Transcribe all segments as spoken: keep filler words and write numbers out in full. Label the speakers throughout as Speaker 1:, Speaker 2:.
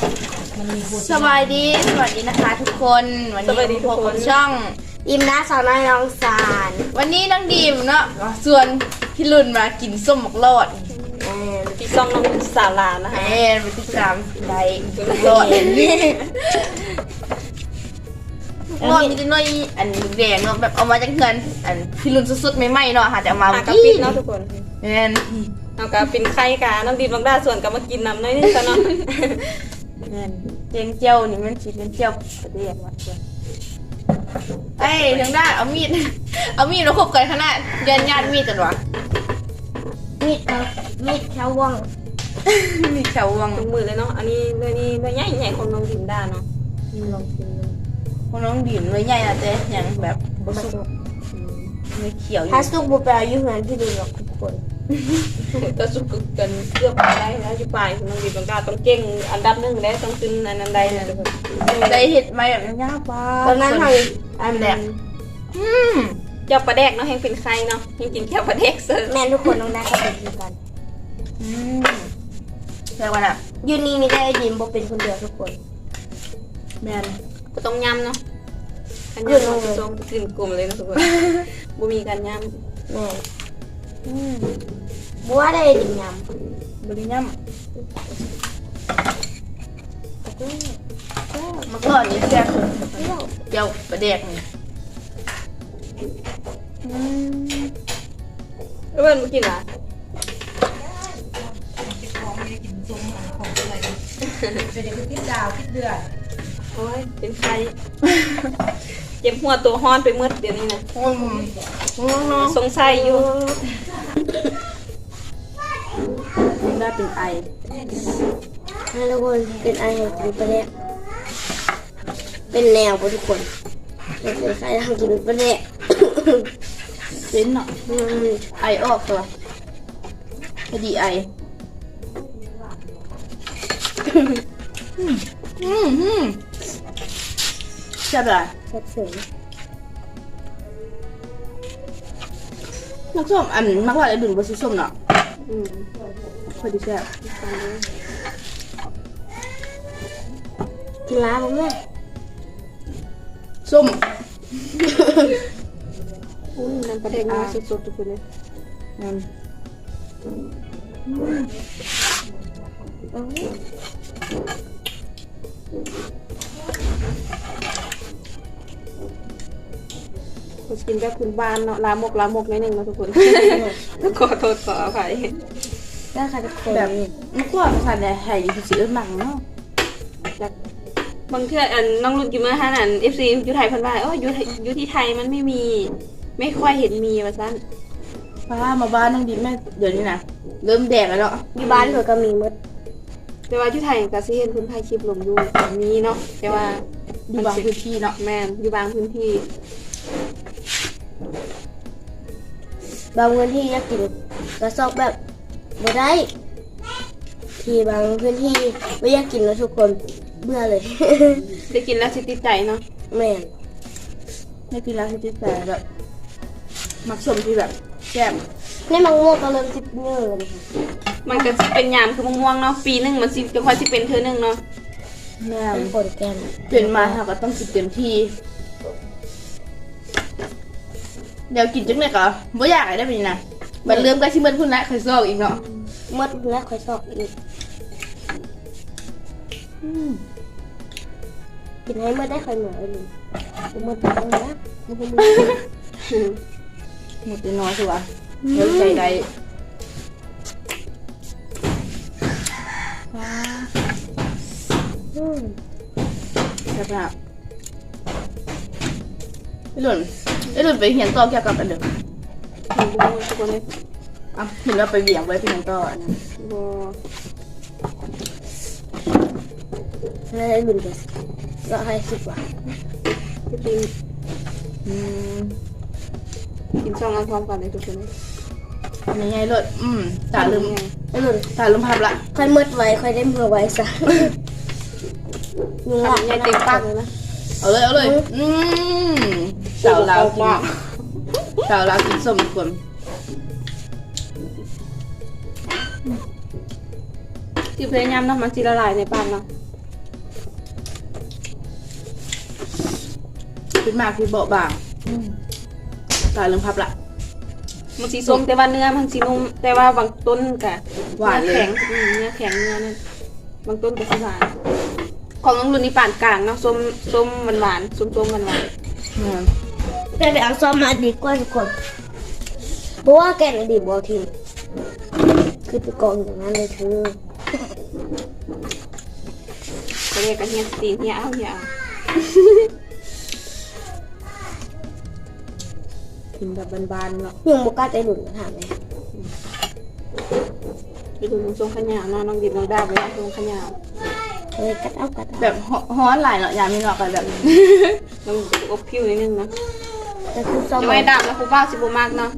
Speaker 1: สวัสดีสวัสดีนะคะทุกคนวันนี้พบกับช่อง
Speaker 2: อิมนะสาวน้อยน้องสาร
Speaker 1: วันนี้น้องดีมเนาะส่วนพี่รุ่นมากินส้มหมกลอด
Speaker 3: พี่ซองน้องสาลานะคะ
Speaker 1: เอ๊ะเป็นที่สามได้หมกลอดหมกลอดมีแต่น้อยอันแดงเนาะแบบเอามาจากเงินอันพี่รุ่นสุดๆใหม่ๆเนาะค่ะแต่เอามา
Speaker 3: หากระปิดเนาะทุกคน
Speaker 1: แม่น
Speaker 3: เอากระปินไข่กาน้องดีบางด้าส่วนกับมากินน้ำน้อยนึงซะเนาะ
Speaker 1: แม่นเจียงเจียวนี่มันสิเป็นเจียวประเดี๋ยวว่าเอ้ยทางด้านเอามีดเอามีดมาคบกันขนาดยันยันมีดจังวะ
Speaker 2: มีดเอามีดแค่ว่อง
Speaker 1: มีแถววัง
Speaker 3: ตรงมือเลยเนาะอันนี้ด้วยนี่ด้วยใหญ่ใหญ่ของน้องดิมด้าเนาะ
Speaker 2: ลองกินดู
Speaker 1: ของน้องดิ่มเลยใหญ่นะเจ๊ยังแบบบสุกไม่เขียวอยู่
Speaker 2: ถ้าสุกบุปผาอยู่เหมือนพี่ดูหรอกทุกคน
Speaker 3: ตัวสุกกันเกือบได้แล้วอยู่ปลายของน้องดิมบางด้าต้องเก่งอันดับหนึ่งได้ต้องขึ้นอันนั้นได้นะทุกคน
Speaker 1: ได้เห็ดไหมแบบยากป้า
Speaker 2: ตอนนั้นท
Speaker 1: อันแรกอืม
Speaker 3: เจ้าปลาแดกเนาะแห้งเป็นไข่เนาะแห้งกินแค่ปลาแดกเสิร์ฟ
Speaker 2: ำแม่ทุกคนน้องได้ก็เป็นกัน
Speaker 1: อืมแค่วันอ่ะ
Speaker 2: ยูนี่มีได้ยิมบ่เป็นคนเดียวทุกคน
Speaker 1: แมน
Speaker 3: ก็ต้องยำเนาะอันยำน้องพี่ซองกลิ่นกลุ่มเลยนะทุกคนบ่มีการยำ
Speaker 2: แม่
Speaker 1: อืม
Speaker 2: บัวได้ดิมย
Speaker 1: บริยมมาก่อนนี่แซ่บเจียวประเด็กนี่อืม
Speaker 3: เพื่อนมากินเหรอ
Speaker 1: เป็นอย่างพิษดาวพิษเดือด
Speaker 3: โอ้ยเป็นไข่เจ็บหัวตัวฮ้อนไปมืดเดี๋ยวนี้นะ
Speaker 1: อืมน้อง
Speaker 3: สงสัยอยู่
Speaker 1: ได้เป็นไอ
Speaker 2: ำให้ทุกคนเป็นไอให้กินไปแล้วเป็นแนวบ่ทุกคนเป็นใครทำกินไปแล้ว
Speaker 1: เป็นเนาะ
Speaker 2: อืม
Speaker 1: ไอออกตัวพอดีไออืมอืมใช่ป่ะ
Speaker 2: แซ่บเสริม
Speaker 1: นักส้มอันมักว่าไอ้ดุนบะซุส้มเนาะ
Speaker 3: อืม
Speaker 1: พอดีแซ่บ
Speaker 2: กินล้าบ่แม่
Speaker 1: ส้ม
Speaker 3: อุ้ยน้ำปลาแดกมาสดๆทุกคนเลย
Speaker 1: อืม
Speaker 3: เรากินแบบคุณบ้านเนาะลามกลามกนิดนึงเนาะทุกคนขอโทษขออภัย
Speaker 2: ได้ค่ะทุกคน
Speaker 1: แบบนักว่าภาษาเนี่ยไห่คือสีหนังเนาะ
Speaker 3: จากบางเทื่ออันน้องรุ่นกินเมื่อห้านันเอฟซีอยู่ไทยเพันว่าโอ้ยอยู่ไทยอยู่ที่ไทยมันไม่มี ไม่ค่อยเห็นมีว่าซั่น
Speaker 1: ป้ามาบ้านน้องดิแม่เดี๋ยวนี้นะเริ่มแดงแล้วเนาะ
Speaker 2: อยู่บ้านเธอก็มีหมด
Speaker 3: แต่ว่าที่ไทยก็สิเห็นคนไทยคลิปลงอยู่แบบนี้เนาะแต่ว่า
Speaker 1: ดูบางพื้นที่เนาะ
Speaker 3: แมนอยู่บางพื้นที่
Speaker 2: บางพื้นที่อยากกินกระซอกแบบบ่ได้ ที่บางพื้นที่ไม่อยากกินแล้วทุกคนเบื่อเลย
Speaker 3: ได้กินแล้วสิติดใจเนาะ
Speaker 2: แม่น
Speaker 1: ไม่กินแล้วที่แต่แบบมักส้มที่แบบแซ่บ
Speaker 2: ในมังม่วงก็เริ่มจิบเนื้อเลยค่ะ
Speaker 3: มันก็สิเป็นยามคือมะม่วงเนาะปีหนึงมันสิจะค่อยสิเป็นเทื่อหนึงเนาะ
Speaker 1: แม่
Speaker 2: เป็นผลแกน
Speaker 1: เป็นมาเราก็ต้องกินเต็มที่ เดี๋ยวกินจังเลยก็บ่อยากอะไรได้เป็นนะบัดเริ่มก็ชิเบิ้ลพุ่นละเคยซอกอีกเนาะ
Speaker 2: หมดแล้วค่อยซอกอีก
Speaker 1: อืม
Speaker 2: กินให้หมดได้ค่อยเหมือนเลยหมดไปแล้วนะ
Speaker 1: หมดไปน้อยสิวะเดี๋ยวใจใดว้า
Speaker 2: อืม
Speaker 1: แซ่บมากไอ้หล่นไอ้หล่นไปเหียนต่อเกี่ยวกับอันเดิม
Speaker 3: เห็นบ่ทุกคนเลย
Speaker 1: อ่ะเห็นว่าไปเบี่ยงไว้เป็นยังต่ออันนั้น
Speaker 3: บ่
Speaker 2: แล้วได้บุญกันก็ให้สิบว่ะ
Speaker 3: ที่กิน
Speaker 1: อืม
Speaker 3: กินซองอันพร้อมกันเลยทุกคนเลย
Speaker 1: อันนี้ไงเลยอืมตาลืม
Speaker 2: ไอ้หนุน
Speaker 1: ตาลืมภาพละ
Speaker 2: ค่อยหมดไว้ค่อยได้เมื่อไว้ซะยุง
Speaker 3: ทำ
Speaker 2: ละ
Speaker 3: ใหญ่เต็มปากเลยนะ
Speaker 1: เอาเลยเอาเลยอืมสาวลาวกินสาวลาวกินส้มทุกคน
Speaker 3: ที่พยายามเนาะมันสิละลายในปากเนาะ
Speaker 1: เป็นมากที่เบาบางตายเรื่องพับละ
Speaker 3: มันสีส้มแต่ว่าเนื้อมันสีนุ่มแต่ว่าบางต้นกะ
Speaker 1: หวานเลย
Speaker 3: แข็งอืมเนื้อแข็งเนื้อนั่นบางต้นก็สิหวานของน้องรุ่นนี้ปานกลางเนาะส้มส้มหวานหวานๆส้มส้มหวานหวาน
Speaker 1: อืม
Speaker 2: ไปไปเอาซ้อมมาดีกว่าทุกคนเพราะว่าแกนอดีตบอทีมคือไปกองอย่างนั้นเลยเธอ
Speaker 3: ๆก็เรียกกันเฮียสตีนเฮียเอาเฮียเอา
Speaker 1: กินแบบบานๆเนาะ
Speaker 2: ยังโมกล้าใจหลุดถามเลย
Speaker 3: ไปดูน้องส้มขยาวเนาะน้องดิบน้องดาวไปเอาส้มขยาว
Speaker 2: เฮ้ยกัดเอากัดเอา
Speaker 1: แบบฮ้อนหลายเนาะยามมีเนาะกันแบบ
Speaker 3: น้องอบผิวนิดนึงเนาะ
Speaker 2: แต่คือซ้อม
Speaker 3: จะ
Speaker 2: มา
Speaker 3: ไม่ดำแล้วครูป้าสิบมากเนาะ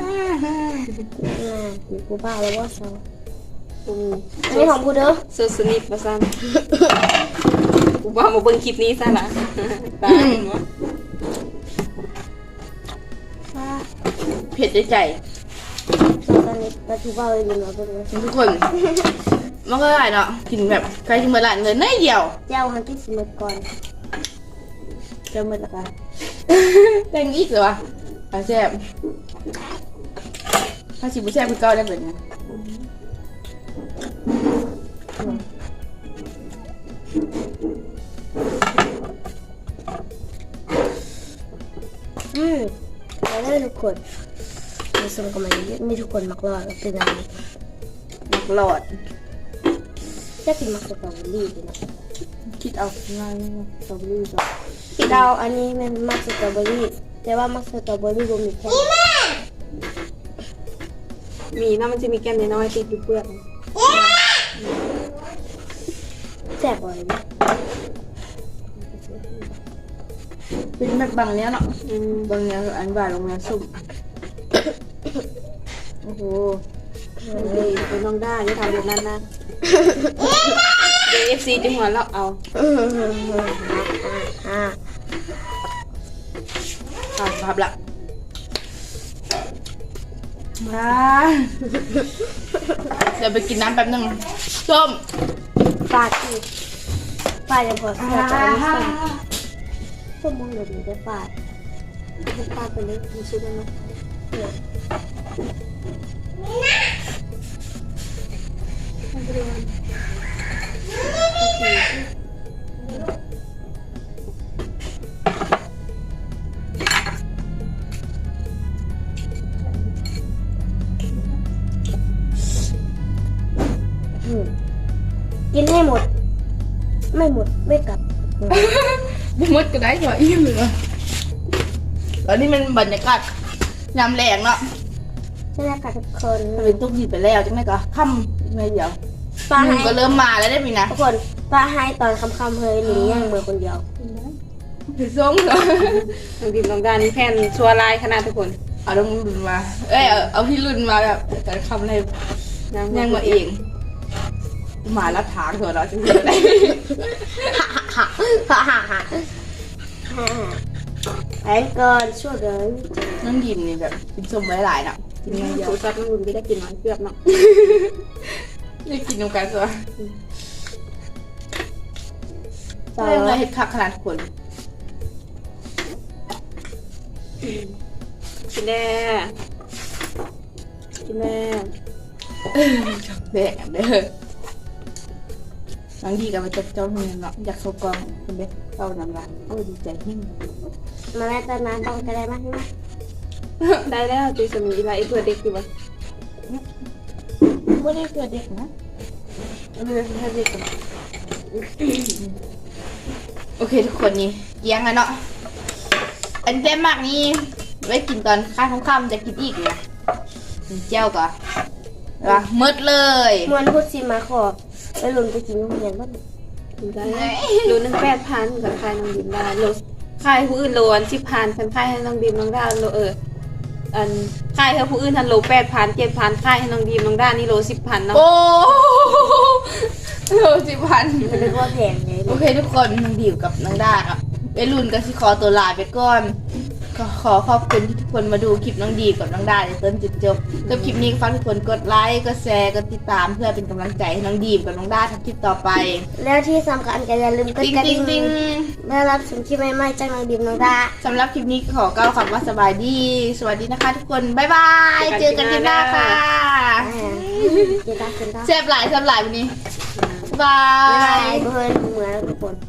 Speaker 2: มีกูบ้าแล้วว่าซ้อม
Speaker 3: อืม
Speaker 2: อันนี้ของกูเด้อ
Speaker 3: เซอร์สนิทมาซ้ำครูป้ามาเบิ่งคลิปนี้ซะละตายเนาะ
Speaker 1: เผ็ดใจ
Speaker 2: ซ้อมตอนนี้แต่กูบ้าเลยอยู่เนาะตัวนี้
Speaker 1: ทุกคนมันก็ได้เนาะกินแบบใครกินเมื่อไหร่เลยน้อยเดียว
Speaker 2: เจ้าฮันที่สิเมตก่อน
Speaker 1: เจอเมื่อไหร่แตงอีกเหรอวะอาแซ่บถ้าชิบุแซ่บคือเก่าได้แบบนี้
Speaker 2: อืมแล้วได้ทุกคนมีส่วนกับมันเยอะมีทุกคนมักรอดแล้วเป็นอะไร
Speaker 1: มักหลอด
Speaker 2: จะกินมักสตรอเบอรี่ดีนะ
Speaker 1: คิดเอาง่ายสตรอเบอรี่ก่อน
Speaker 2: พี่ดาวอันนี้มันมักสตรอเบอรี่แต่ว่ามักสตรอเบอรี่รวมมีแค่
Speaker 3: มีเนาะมันจะมีแก้มน้อยๆติดอยู่เปลือก
Speaker 2: แซ่บบ่อยนะ
Speaker 1: เป็นแบบบางเนี้ยเนาะ
Speaker 3: อืม
Speaker 1: บางเนี้ยอันบาลงเนี้ยสุ่มโอ้โห
Speaker 3: ดีเป็นน้องได้อย่าทำแบบนั้นนะเดี๋ยวเอฟซีจะหัวเราะเอา
Speaker 2: อ่า
Speaker 1: ตามภาพละมาเดี๋ยวไปกินน้ำแป๊บนึงส้ม
Speaker 2: ฟาดที่ฟาดยังพอฟาดจะไม่ส้มส้มมองเดี๋ยวนี้จะฟาด
Speaker 3: ปลาไปเลยมีชุดแล้วเนาะ
Speaker 2: เนี่ย อืมกินให้หมด ไม่หมดไม่กลับ
Speaker 1: บุมดก็ได้เหรออิ่มเลยตอนนี้มันบรรยากาศยามแรงเนาะ
Speaker 2: ใช่ไหมคะทุกคน
Speaker 1: ถ้าเป็นตุ๊กหยิบไปแล้วจังไงก็ค่ำไม่เดียว
Speaker 2: ป้า
Speaker 1: หนึ่
Speaker 2: ให้
Speaker 1: งก็เริ่มมาแล้วได้ปีนะ
Speaker 2: ทุกคนป้าให้ตอนคำๆเฮ้ยหนูย่างมือคนเดียว
Speaker 1: ถือส้มเหรอ
Speaker 3: น้องดิบน้องดานี่แผ่นชัวร์ลายขนาดทุกคน
Speaker 1: เอาต้องรุ่นมา เอ้ยเอาเอาพี่รุ่นมาแบบแต่คำอะไรยังมาเองหมาลัดทางเถอะเราจะเห็นอะไร
Speaker 2: ฮ่าฮ่าฮ่าฮ่าฮ่าแอนเกินช่วยเลย
Speaker 1: น้องยิมนี่แบบกินส้มไว้หลายเนาะกินไม่เย
Speaker 3: สู
Speaker 1: อะ
Speaker 3: ตรซับน้องรุ่นไม่ได้กินน้อยเกือบเนาะ
Speaker 1: ได้กินน้ำกันสัว
Speaker 2: ต่อ
Speaker 1: เรื่องอะไรเห็ดคักขนาดคน
Speaker 3: กินแน่กินแน่
Speaker 1: แดงเด้อบางทีก็มาจับเจ้าเงินเนาะอยากเข้ากองคนเด็กเข้าน้ำลายโอ้ดีใจหิ้ง
Speaker 2: มาแม่ตอนนั้นต้องกระไดมาใช่ไหม
Speaker 3: ได้แล้วตีสมีอะไรไอ้ตัวเด็กอยู่วะ
Speaker 1: ไม่ได้เกิดเด็กนะไม่ได้เกิดเด็กนะโอเคทุกคนนี่เกี้ยงอะเนาะอันเต็มมากนี่ไว้กินตอนข้าวค่ำๆจะกินอีกนะเจ้าก่อนว่ามืดเลย
Speaker 2: มวนพูดสิมาขอไปหลุนไปกินโรงเรียนบ้าง
Speaker 3: กินได้โลนึงแปดพันกับใครน้องดิบได้โลขายผู้อื่นโลอันสิบพันคันขายให้น้องดิบน้องดาโลเอออันขายให้ผู้อื่นทันโลแปดพันเจ็ดพันขายให้น้องดิบน้องดานี่โลสิบพันเนาะ
Speaker 1: โอ้โหสิบพัน
Speaker 2: มันเป็นว่าแพงไง
Speaker 1: โอเคทุกคนน้องดิวกับน้องด้าครับไอรุ่นก็สิขอตัวลาไปก่อนก็ขอขอบคุณที่ทุกคนมาดูคลิปน้องดีกับน้องได้จนจุดจบแล้วคลิปนี้ก็ฝากทุกคนกดไลค์กดแชร์กดติดตามเพื่อเป็นกำลังใจให้น้องดีกับน้องด้าทำคลิปต่อไป
Speaker 2: แล้วที่สำคัญก็อย่าลืมกด
Speaker 1: ติ๊ง
Speaker 2: กระ
Speaker 1: ติ๊
Speaker 2: ดิ่
Speaker 1: ง
Speaker 2: ง
Speaker 1: ติ๊ง
Speaker 2: เพื่อรับชมคลิปใหม่ๆจากน้องดิมน้องดา
Speaker 1: สำหรับคลิปนี้ขอกล่าวคำว่าสบายดี สวัสดีนะคะทุกคน บ๊ายบาย เจอกันคลิปหน้าค่ะ
Speaker 2: อ่าเจตาเจตา
Speaker 1: เซฟหลายเซฟหลายวันนี้ บ๊ายบา
Speaker 2: บ๊ายบาย
Speaker 1: ย
Speaker 2: เพื่อนเหมือนทุกคน